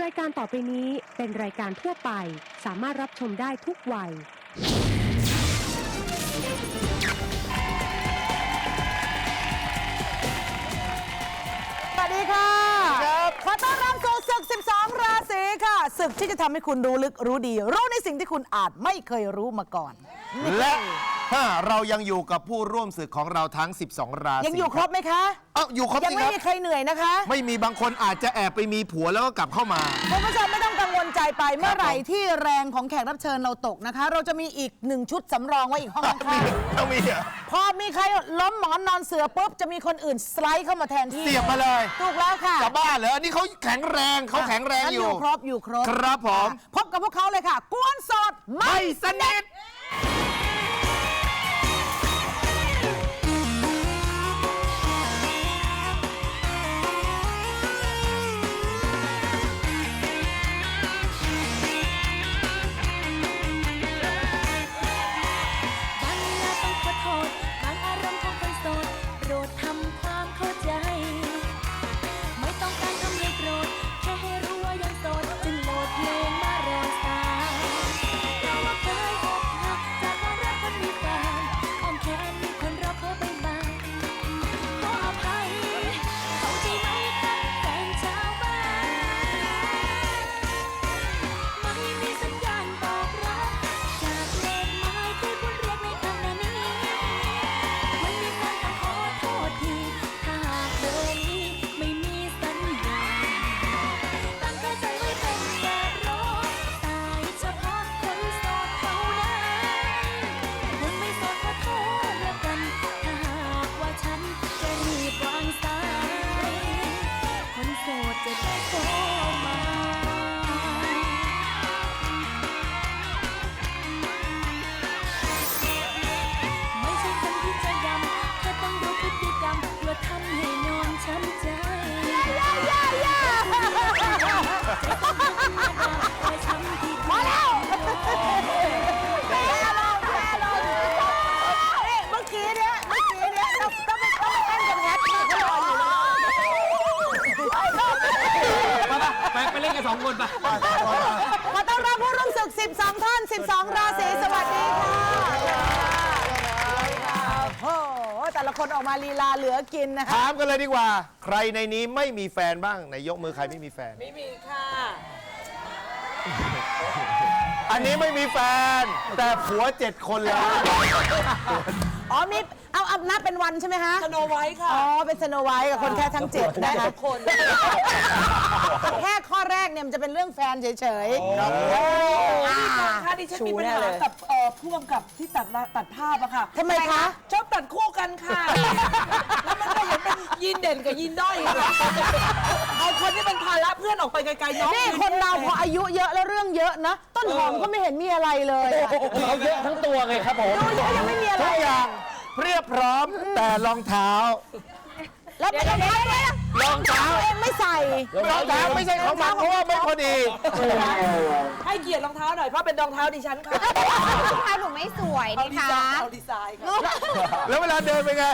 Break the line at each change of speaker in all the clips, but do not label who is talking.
รายการต่อไปนี้เป็นรายการทั่วไปสามารถรับชมได้ทุกวัย
สวัสดีค่ะขอต้อนรับสู่ศึก 12 ราศีค่ะศึกที่จะทำให้คุณรู้ลึกรู้ดีรู้ในสิ่งที่คุณอาจไม่เคยรู้มาก่อน
และเรายังอยู่กับผู้ร่วมศึกของเราทั้ง 12 ราศี
ยังอยู่ครบไหมคะ
อยู่ครบ
ยัง
สิ
ไม่
ครับ
มีใครเหนื่อยนะคะ
ไม่มีบางคนอาจจะแอบไปมีผัวแล้วก็กลับเข้ามา
คุณผู้ชมไม่ต้องกังวลใจไปเมื่อไหร่ที่แรงของแขกรับเชิญเราตกนะคะ เราจะมีอีก1ชุดสำรองไว้อีกห้องข้าง
ต้องมีเหรอ
ๆพอมีใครล้มหมอนนอนเสือปุ๊บจะมีคนอื่นสไลด์เข้ามาแทนที่
เสียบมาเลย
ถูกแล้วค่ะ
จะบ้าเหรอนี่เขาแข็งแรงเขาแข็งแรงอยู่
ครบอยู่ครบ
ครับผม
พบกับพวกเขาเลยค่ะกวนสดไม่
ไม่สนิท
ไปเล่นกัน2 คนไป
ขอต้อนรับผู้ร่วมศึก 12 ท่าน 12 ราศีสวัสดีค่ะโอ้โหแต่ละคนออกมาลีลาเหลือกินนะคะ
ถามกันเลยดีกว่า ใครในนี้ไม่มีแฟนบ้างไหนยกมือใครไม่มีแฟน
ไม่มีค่ะ
อันนี้ไม่มีแฟน แต่ผัว7 คนแล้ว
อ๋อมีเอานับเป็นวันใช่ไหมคะ
สโนไวท์ค่ะ
อ๋อเป็นสโนไวท์กับคนแค่ทั้ง7นะคะ
ทุกคน
แค่ข้อแรกเนี่ยมันจะเป็นเรื่องแฟนเฉยๆ
ค่ะดิฉันมีปัญหากับพ่วงกับที่ตัดภาพอะค่ะ
ทำไมคะ
ชอบตัดคู่กันค่ะ แล้วมันก็เห็นเป็นยีนเด่นกับยีนด้อยเอาคนที่เป็นภาระเพื่อนออกไปไกลๆน้อง
นี่คนเราพออายุเยอะแล้วเรื่องเยอะนะต้นหอมก็ไม่เห็นมีอะไรเลยอะ
เขาเยอะทั้งตัวไงครับผม
ดูเยอะยังไม่มีอะไร
ทุกอย่างเรียบพร้อมแต่รองเท้า
แล้วเป็นรองเท้าด้วย
รองเท้า
เองไม่ใส่
รองเท้าไม่ใช่ของมันเพราะว่าไม่พอดี
ให้เกียรติรองเท้าหน่อยเพราะเป็นรองเท้าดิฉันค่ะ
รองเท้าหนูไม่สวย
เอา
นะ
ดี
คะ
ไซน์เอาดีไซน์ค่ะ
แล้วเวลาเดินเป็นไง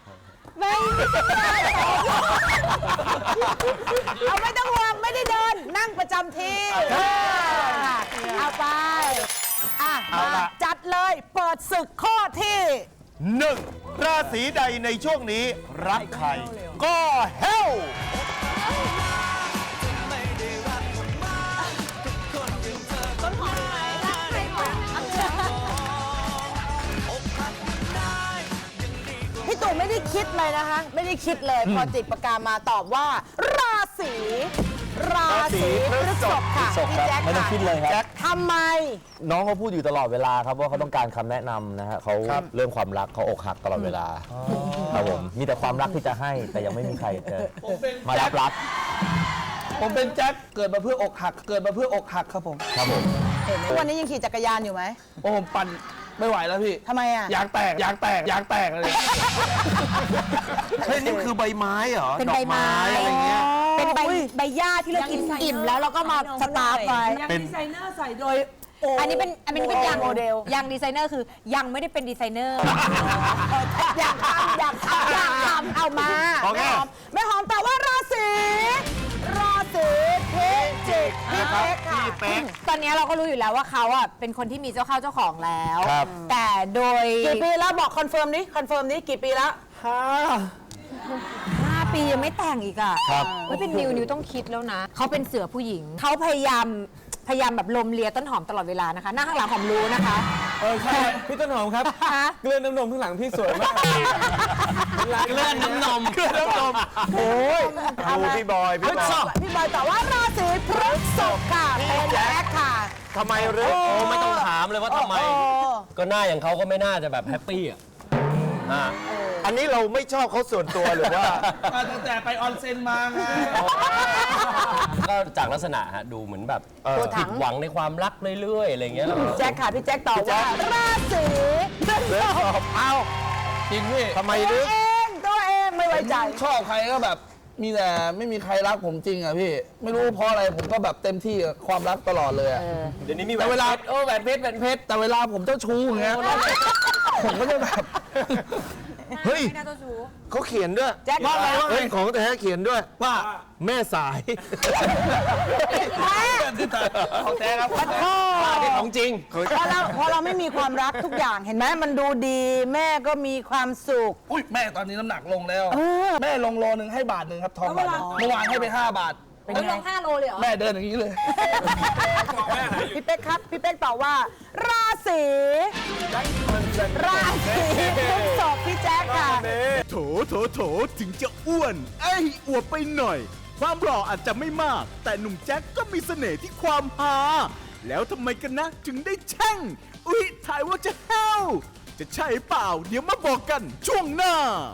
เอาไม่ต้องห่วงไม่ได้เดิน นั่งประจำที่เอาไปมาจัดเลยเปิดศึกข้อที่
1. ราศีใดในช่วงนี้รักใคร ก็เฮล
พี่ตู่ไม่ได้คิดเลยนะคะ ไม่ได้คิดเลยพอจิกปากกามาตอบว่า ราศีพฤษภค่ะพี่แจ็ค
ไม่ต้องคิดเลยครับ
ทำไม
น้องเขาพูดอยู่ตลอดเวลาครับว่าเขาต้องการคำแนะนำนะฮะเขาเรื่องความรักเขาอกหักตลอดเวลาครับผมมีแต่ความรักที่จะให้แต่ยังไม่มีใครจะมารับรัก
ผมเป็นแจ็คเกิดมาเพื่ออกหัก เกิดมาเพื่ออกหักครับผม
ครับผม
ทุกวันนี้ยังขี่จักรยานอยู่ไหม
โอ้ผมปั่นไม่ไหวแล้วพี่
ทำไมอ่ะ
ยางแตกอะไร
เฮ้ยนี่คือใบไม้เหรอ
เป็นใบไม้
ดอกอะไรเงี้ย
เป็นใบหญ้าที่เรากินอิ่มแล้วเราก็มาสตาร์ฟไว้
ยัง
เป็น
ดีไซเนอร์ใส่โดย
อันนี้เป็นยัง
โมเดล
ยังดีไซเนอร์คือยังไม่ได้เป็นดีไซเนอร์
อยากทำเอามา
โอเค
แม่หอมตอบว่าราศีพิจิก
พี่เป๊ก
ตอนนี้เราก็รู้อยู่แล้วว่าเขาอ่ะเป็นคนที่มีเจ้าเข้าเจ้าของแล้ว
ครับ
แต่โดย
กี่ปีแล้วบอกคอนเฟิร์มนี้กี่ปีแล้ว
5 ปียังไม่แต่งอีกอ่ะไม่เป็นนิวต้องคิดแล้วนะ เขาเป็นเสือผู้หญิง เขาพยายามแบบลมเลียต้นหอมตลอดเวลานะคะหน้าข้างหลังหอมรู้นะคะ
ใช่พี่ต้นหอมครับ
ฮะ
เกลือน้ำนมข้างหลังพี่สวยมาก
เลื่อนน้ำนมโอ้ยดูพี่บอยพี่บอย
พี่บอยตอบว่าราศีพฤษภค่ะเป็นแจ็คค่ะ
ทำไมหรือ
โอ้ไม่ต้องถามเลยว่าทำไม ก็หน้าอย่างเขาก็ไม่น่าจะแบบแฮปปี้อ่ะ
อันนี้เราไม่ชอบเขาส่วนตัวหรือว่า
ตั้งแต่ไปออนเซ็นมาไง
ก็จากลักษณะฮะดูเหมือนแบบ
ตัวถั
ผิ
ง
ดหวังในความรักเรื่อยๆอะไรเงี้ยแล้ว
แจ็คค่ะพี่แจ็คตอบว่าราศีพฤษภ
เอา
จริงพี่
ทำไมหรือ
ตัวเองไม่ไว้ใจ
ชอบใครก็แบบมีแต่ไม่มีใครรักผมจริงอ่ะพี่ ไม่รู้เพราะอะไรผมก็แบบเต็มที่กับความรักตลอดเลยอะ
เดี๋ยวนี้มี
แต่เวลาแหวนเพชรแต่เวลาผมเจ้าชู้อย่างเงี้ยผมก็จะแบบ
เฮ้ยเขาเขียนด้วย
แจ็ค
ว่าอะไรวะ
เฮ้ยของแต่เขียนด้วย
ว่า
แม่สาย
ของแท้ครับ
ของจริง
พอเราไม่มีความรักทุกอย่างเห็นไหมมันดูดีแม่ก็มีความสุข
อุ้ยแม่ตอนนี้น้ำหนักลงแล้ว แม่ลงโลนึงให้บาทหนึ่งครับทองบาทหนึ่งเมื่อวานให้ไป5 บาท
แล้วลง5 โลเลยเหรอ
แม่เดินอย่างนี้เลย
พี่เป๊กครับ พี่เป๊กตอบว่า ราศีพฤษภพี่แจ๊คค่ะ
โถถึงจะอ้วนอวบไปหน่อย ความหล่ออาจจะไม่มาก แต่หนุ่มแจ็คก็มีเสน่ห์ที่ความฮาแล้วทำไมกันนะถึงได้แช่งถ่ายว่าจะแห้วจะใช่เปล่า เดี๋ยวมาบอกกันช่วงหน้า